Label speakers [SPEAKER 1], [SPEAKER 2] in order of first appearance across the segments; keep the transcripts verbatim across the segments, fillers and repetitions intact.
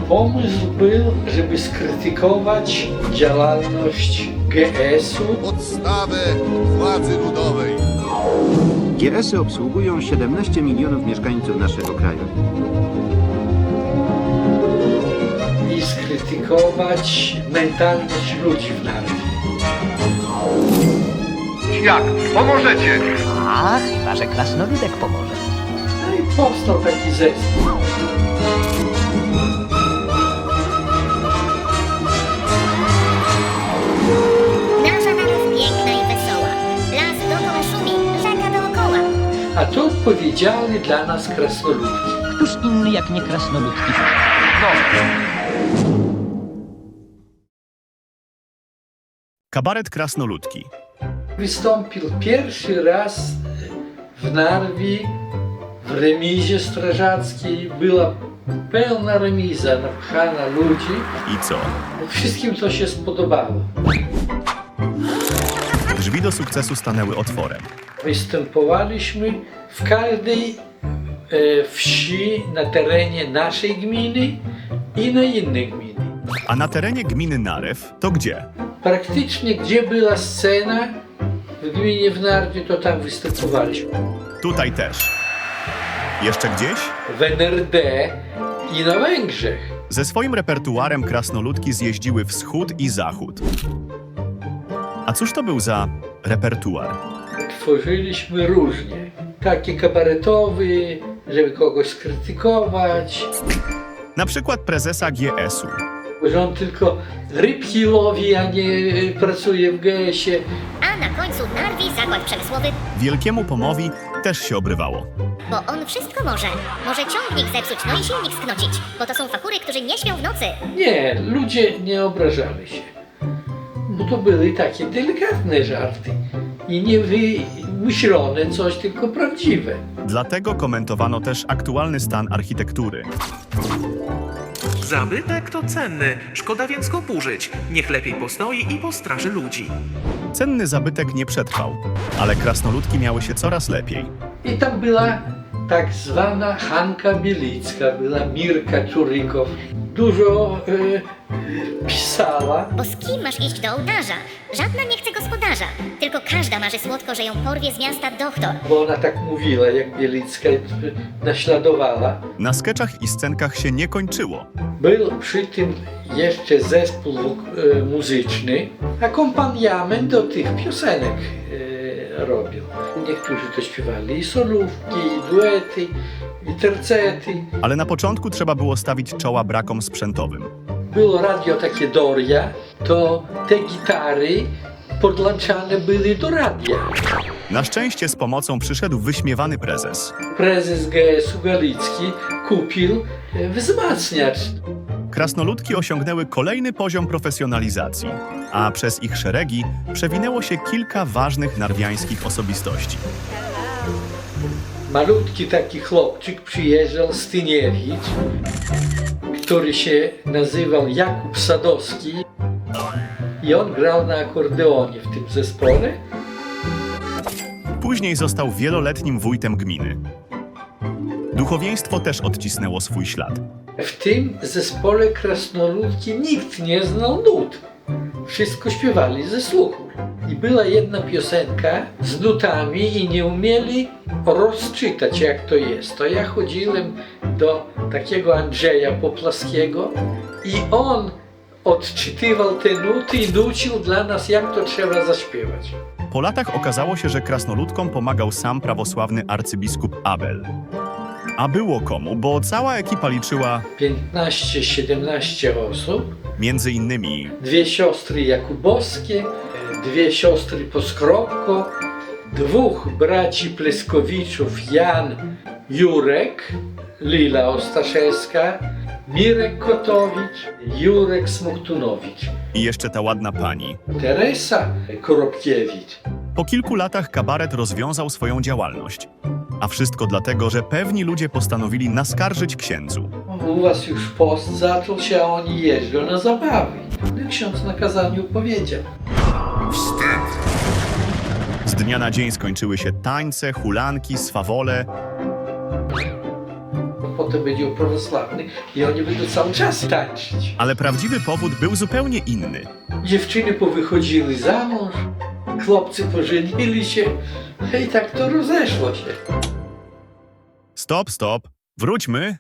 [SPEAKER 1] Pomysł był, żeby skrytykować działalność G S u.
[SPEAKER 2] Podstawę władzy ludowej.
[SPEAKER 3] G S y obsługują siedemnaście milionów mieszkańców naszego kraju.
[SPEAKER 1] I skrytykować mentalność ludzi w narodzie.
[SPEAKER 2] Jak? Pomożecie?
[SPEAKER 4] A, chyba że krasnoludek pomoże.
[SPEAKER 1] No i powstał taki zespół.
[SPEAKER 5] Nasza naród piękna i wesoła. Las dookoła szumi, rzeka dookoła.
[SPEAKER 1] A to odpowiedzialny dla nas krasnoludki.
[SPEAKER 4] Któż inny jak nie krasnoludki?
[SPEAKER 6] Kabaret Krasnoludki.
[SPEAKER 1] Wystąpił pierwszy raz w Narwi, w remizie strażackiej. Była pełna remiza, napchana ludzi.
[SPEAKER 6] I co?
[SPEAKER 1] Wszystkim to się spodobało.
[SPEAKER 6] Drzwi do sukcesu stanęły otworem.
[SPEAKER 1] Występowaliśmy w każdej e, wsi na terenie naszej gminy i na innej gminy.
[SPEAKER 6] A na terenie gminy Narew to gdzie?
[SPEAKER 1] Praktycznie gdzie była scena w gminie w Narwie, to tam występowaliśmy.
[SPEAKER 6] Tutaj też. Jeszcze gdzieś?
[SPEAKER 1] W N R D i na Węgrzech.
[SPEAKER 6] Ze swoim repertuarem krasnoludki zjeździły wschód i zachód. A cóż to był za repertuar?
[SPEAKER 1] Tworzyliśmy różnie. Taki kabaretowy, żeby kogoś skrytykować,
[SPEAKER 6] Na przykład prezesa G S u.
[SPEAKER 1] że on tylko rybki łowi, a nie pracuje w G S ie.
[SPEAKER 5] A na końcu Narwi zakład przemysłowy,
[SPEAKER 6] Wielkiemu Pomowi też się obrywało.
[SPEAKER 5] bo on wszystko może. Może ciągnik zepsuć, no i silnik sknocić, bo to są fachury, którzy nie śpią w nocy.
[SPEAKER 1] Nie, ludzie nie obrażali się. Bo to były takie delikatne żarty i nie wymyślone coś, tylko prawdziwe.
[SPEAKER 6] Dlatego komentowano też aktualny stan architektury.
[SPEAKER 7] Zabytek to cenny, szkoda więc go burzyć. Niech lepiej postoi i postraży ludzi.
[SPEAKER 6] Cenny zabytek nie przetrwał, ale krasnoludki miały się coraz lepiej.
[SPEAKER 1] I tam była tak zwana Hanka Bielicka, była Mirka Czurykow. Dużo e, pisała.
[SPEAKER 5] Bo z kim masz iść do ołtarza? Żadna nie chce gospodarza, tylko każda marzy słodko, że ją porwie z miasta doktor.
[SPEAKER 1] Bo ona tak mówiła, jak Bielicka e, naśladowała.
[SPEAKER 6] Na skeczach i scenkach się nie kończyło.
[SPEAKER 1] Był przy tym jeszcze zespół e, muzyczny, akompaniament do tych piosenek e, robił. Niektórzy to śpiewali i solówki, i duety, i tercety.
[SPEAKER 6] Ale na początku trzeba było stawić czoła brakom sprzętowym.
[SPEAKER 1] Było radio takie Doria, to te gitary podłączane były do radia.
[SPEAKER 6] Na szczęście z pomocą przyszedł wyśmiewany prezes.
[SPEAKER 1] Prezes G S u Galicki kupił e, wzmacniacz.
[SPEAKER 6] Krasnoludki osiągnęły kolejny poziom profesjonalizacji, a przez ich szeregi przewinęło się kilka ważnych narwiańskich osobistości.
[SPEAKER 1] Malutki taki chłopczyk przyjeżdżał z Tyniewicz, który się nazywał Jakub Sadowski i on grał na akordeonie w tym zespole.
[SPEAKER 6] Później został wieloletnim wójtem gminy. Duchowieństwo też odcisnęło swój ślad.
[SPEAKER 1] W tym zespole krasnoludki nikt nie znał nut. Wszystko śpiewali ze słuchu. I była jedna piosenka z nutami i nie umieli rozczytać, jak to jest. To ja chodziłem do takiego Andrzeja Poplaskiego i on odczytywał te nuty i nucił dla nas, jak to trzeba zaśpiewać.
[SPEAKER 6] Po latach okazało się, że krasnoludkom pomagał sam prawosławny arcybiskup Abel. A było komu, bo cała ekipa liczyła
[SPEAKER 1] piętnaście siedemnaście osób,
[SPEAKER 6] między innymi
[SPEAKER 1] dwie siostry Jakubowskie, dwie siostry Poskropko, dwóch braci Pleskowiczów, Jan Jurek, Lila Ostaszewska, Mirek Kotowicz, Jurek Smoktunowicz,
[SPEAKER 6] i jeszcze ta ładna pani.
[SPEAKER 1] Teresa Koropkiewicz.
[SPEAKER 6] Po kilku latach kabaret rozwiązał swoją działalność. A wszystko dlatego, że pewni ludzie postanowili naskarżyć księdzu.
[SPEAKER 1] U was już post zaczął się, a oni jeżdżą na zabawy. I ksiądz na kazaniu powiedział.
[SPEAKER 6] Z dnia na dzień skończyły się tańce, hulanki, swawole.
[SPEAKER 1] potem będzie o prawosławnych i oni będą cały czas tańczyć.
[SPEAKER 6] Ale prawdziwy powód był zupełnie inny.
[SPEAKER 1] Dziewczyny powychodziły za mąż, chłopcy pożenili się i tak to rozeszło się.
[SPEAKER 6] Stop, stop. Wróćmy.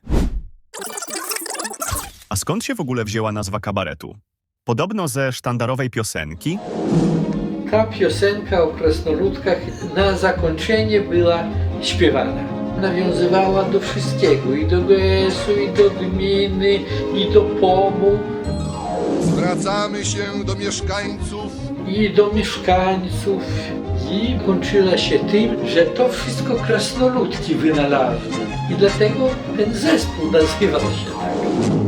[SPEAKER 6] A skąd się w ogóle wzięła nazwa kabaretu? Podobno ze sztandarowej piosenki?
[SPEAKER 1] Ta piosenka o krasnoludkach na zakończenie była śpiewana. Nawiązywała do wszystkiego, i do G S u, i do gminy, i do P O M-u,
[SPEAKER 2] Zwracamy się do mieszkańców.
[SPEAKER 1] i do mieszkańców. I kończyła się tym, że to wszystko krasnoludki wynalazły. I dlatego ten zespół nazywał się tak.